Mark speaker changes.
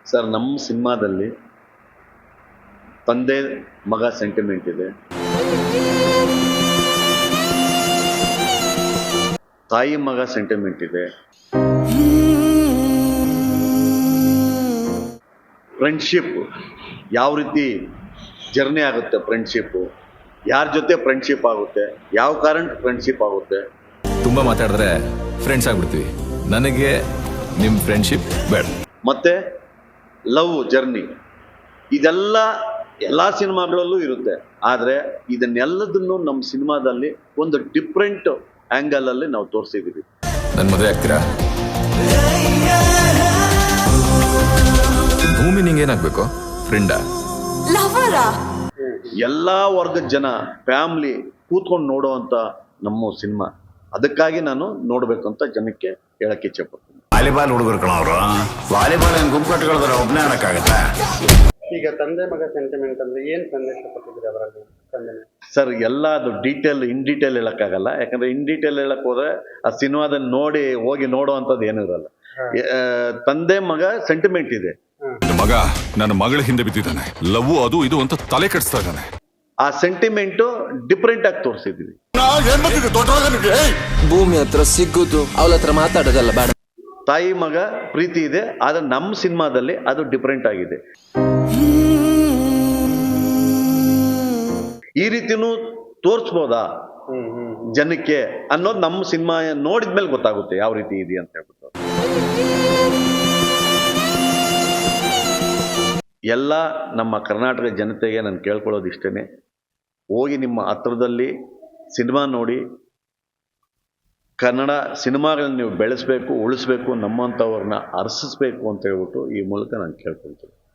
Speaker 1: Sir, ನಮ್ಮ ಸಿನಿಮಾದಲ್ಲಿ ತಂದೆ ಮಗ ಸೆಂಟಿಮೆಂಟ್ ಇದೆ, ತಾಯಿ ಮಗ ಸೆಂಟಿಮೆಂಟ್ ಇದೆ, ಫ್ರೆಂಡ್ಶಿಪ್ ಯಾವ ರೀತಿ ಜರ್ನಿ ಆಗುತ್ತೆ, ಫ್ರೆಂಡ್ಶಿಪ್ಪು ಯಾರ ಜೊತೆ ಫ್ರೆಂಡ್ಶಿಪ್ ಆಗುತ್ತೆ, ಯಾವ ಕಾರಣ ಫ್ರೆಂಡ್ಶಿಪ್ ಆಗುತ್ತೆ.
Speaker 2: ತುಂಬ ಮಾತಾಡಿದ್ರೆ ಫ್ರೆಂಡ್ಸ್ ಆಗ್ಬಿಡ್ತೀವಿ. ನನಗೆ ನಿಮ್ಮ ಫ್ರೆಂಡ್ಶಿಪ್ ಬೇಡ.
Speaker 1: ಮತ್ತೆ ಲವ್ ಜರ್ನಿ ಇದೆಲ್ಲ ಎಲ್ಲ ಸಿನಿಮಾಗಳಲ್ಲೂ ಇರುತ್ತೆ. ಆದರೆ ಇದನ್ನೆಲ್ಲದನ್ನು ನಮ್ಮ ಸಿನಿಮಾದಲ್ಲಿ ಒಂದು ಡಿಫ್ರೆಂಟ್ ಆ್ಯಂಗಲಲ್ಲಿ ನಾವು ತೋರಿಸಿದ್ದೀವಿ.
Speaker 2: ನನ್ನ ಮದುವೆ ಆಗ್ತೀರಾ? ಭೂಮಿ ನಿಂಗೇನಾಗಬೇಕು? ಫ್ರೆಂಡಾ?
Speaker 3: ಲವರಾ?
Speaker 1: ಎಲ್ಲ ವರ್ಗದ ಜನ ಫ್ಯಾಮ್ಲಿ ಕೂತ್ಕೊಂಡು ನೋಡೋವಂಥ ನಮ್ಮ ಸಿನಿಮಾ. ಅದಕ್ಕಾಗಿ ನಾನು ನೋಡಬೇಕಂತ ಜನಕ್ಕೆ ಹೇಳಕ್ಕೆ ಇಚ್ಛೆ ಪಡ್ತೀನಿ.
Speaker 4: ವಾಲಿಬಾಲ್ ಹುಡುಗರು ಕಣವರು, ವಾಲಿಬಾಲ್ ಏನು ಗುಂಪು ಕಟ್ಕೊಳ್ತಾರೆ, ಒಬ್ಬನೇ ಆಡಕ್ಕಾಗತ್ತಾ?
Speaker 5: ಈಗ ತಂದೆ ಮಗ ಸೆಂಟಿಮೆಂಟ್ ಅಂದ್ರೆ ಏನ್ ಸಂದೇಶ ಕೊಟ್ಟಿದ್ದೀರಿ ಅವರಲ್ಲಿ?
Speaker 1: ಸರ್, ಎಲ್ಲ ಅದು ಇನ್ ಡೀಟೇಲ್ ಹೇಳಕ್ಕಾಗಲ್ಲ. ಯಾಕಂದ್ರೆ ಇನ್ ಡೀಟೇಲ್ ಹೇಳಕ್ ಹೋದ್ರೆ ಆ ಸಿನಿಮಾದಲ್ಲಿ ಹೋಗಿ ನೋಡುವಂಥದ್ದು ಏನೂ ಇರಲ್ಲ. ತಂದೆ ಮಗ ಸೆಂಟಿಮೆಂಟ್ ಇದೆ.
Speaker 6: ಮಗ ನನ್ನ ಮಗಳ ಹಿಂದೆ ಬಿದ್ದಿದ್ದಾನೆ, ಲವ್ ಅದು ಇದು ಅಂತ ತಲೆ ಕೆಡಿಸ್ತಾ ಇದ್ದಾನೆ.
Speaker 1: ಆ ಸೆಂಟಿಮೆಂಟ್ ಡಿಫ್ರೆಂಟ್ ಆಗಿ ತೋರಿಸಿದ್ವಿ.
Speaker 7: ಭೂಮಿ ಹತ್ರ ಸಿಗುದು, ಅವಳ ಹತ್ರ ಮಾತಾಡೋದಲ್ಲ ಬೇಡ.
Speaker 1: ತಾಯಿ ಮಗ ಪ್ರೀತಿ ಇದೆ, ಆದ್ರೆ ನಮ್ಮ ಸಿನಿಮಾದಲ್ಲಿ ಅದು ಡಿಫ್ರೆಂಟ್ ಆಗಿದೆ. ಈ ರೀತಿನೂ ತೋರಿಸ್ಬೋದಾ ಜನಕ್ಕೆ ಅನ್ನೋದು ನಮ್ಮ ಸಿನಿಮಾ ನೋಡಿದ್ಮೇಲೆ ಗೊತ್ತಾಗುತ್ತೆ ಯಾವ ರೀತಿ ಇದೆ ಅಂತ ಹೇಳ್ಬಿಟ್ಟು. ಎಲ್ಲ ನಮ್ಮ ಕರ್ನಾಟಕ ಜನತೆಗೆ ನಾನು ಕೇಳ್ಕೊಳ್ಳೋದು ಇಷ್ಟೇ, ಹೋಗಿ ನಿಮ್ಮ ಹತ್ರದಲ್ಲಿ ಸಿನಿಮಾ ನೋಡಿ, ಕನ್ನಡ ಸಿನಿಮಾಗಳನ್ನ ನೀವು ಬೆಳೆಸಬೇಕು, ಉಳಿಸ್ಬೇಕು, ನಮ್ಮಂಥವ್ರನ್ನ ಅರಸಿಸ್ಬೇಕು ಅಂತ ಹೇಳ್ಬಿಟ್ಟು ಈ ಮೂಲಕ ನಾನು ಕೇಳ್ಕೊಳ್ತೀನಿ.